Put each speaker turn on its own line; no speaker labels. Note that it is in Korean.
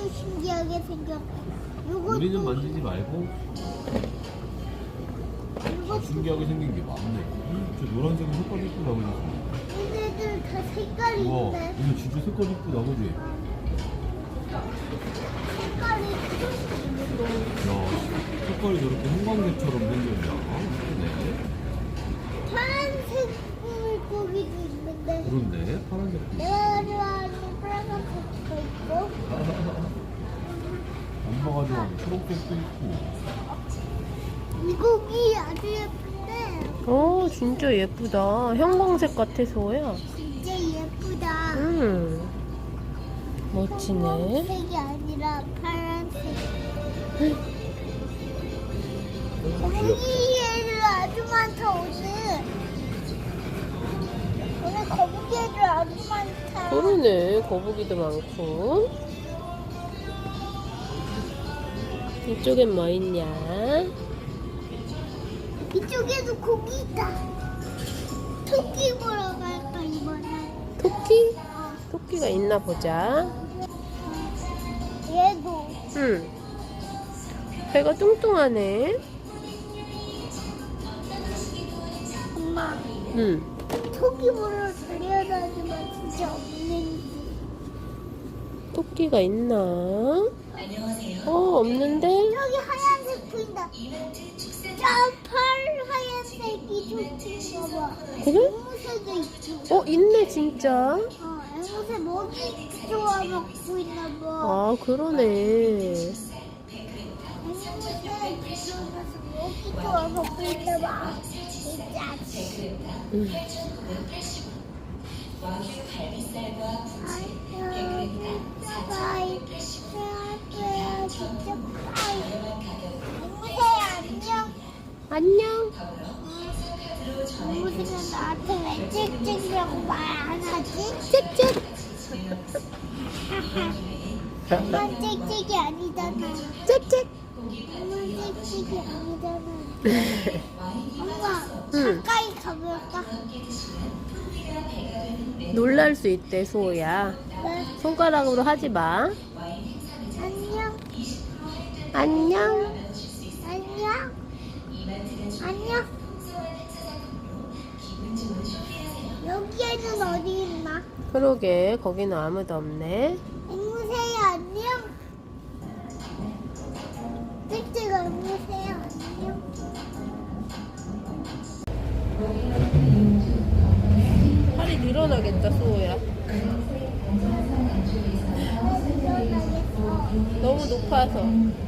이것도 신기하게 생겼.
우리는
이것도
만지지 말고. 신기하게 생긴 게 많네. 저 노란색은 색깔 이쁘다 그지?
얘네들 다 색깔이
우와,
있네.
이거 진짜 색깔 이쁘다 그지?
색깔이
야, 색깔이 저렇게 형광색처럼 생겼냐? 네.
파란색 물고기도 있는데
그런데 파란색도
내가 좋아하는 빨간색도 있고
엄마가 좋아하는 초록색도 있고.
이 고기 아주 예쁜데
오, 진짜 예쁘다. 형광색 같아, 소야.
진짜 예쁘다.
멋지네.
색이 아니라 파란색. 거북이애들 아주 많다 오늘. 오늘 거북이애들 아주 많다.
그러네. 거북이도 많고. 이쪽엔 뭐 있냐?
이쪽에도 고기 있다. 토끼 보러 갈까 이번엔?
토끼? 토끼가 있나 보자.
얘도.
응. 배가 뚱뚱하네.
엄마
응.
토끼 보러 달려다니면 진짜 없는지.
토끼가 있나? 없는데?
저기 하얀색 보인다. 저 하얀색이 토끼인가 봐.
그래?
앵무새도 있지.
있네, 진짜.
앵무새 먹이 좋아 먹고 있나 봐.
아, 그러네.
앵무새 들어가서 먹이 좋아 먹고 있나 봐. 진짜.
응. 안녕.
앵무새는 나한테 왜 짹짹이라고 말 안 하지?
짹짹.
엄마 짹짹이 아니잖아.
짹짹.
엄마 짹짹이 아니잖아. 엄마
응.
가까이 가볼까?
놀랄 수 있대, 소야.
네.
손가락으로 하지 마.
안녕.
안녕.
안녕. 안녕. 여기에는 어디 있나?
그러게, 거기는 아무도 없네.
앵무새야 안녕. 짹짹아 앵무새야 안녕.
팔이 늘어나겠다, 소야.
일어나겠어.
너무 높아서.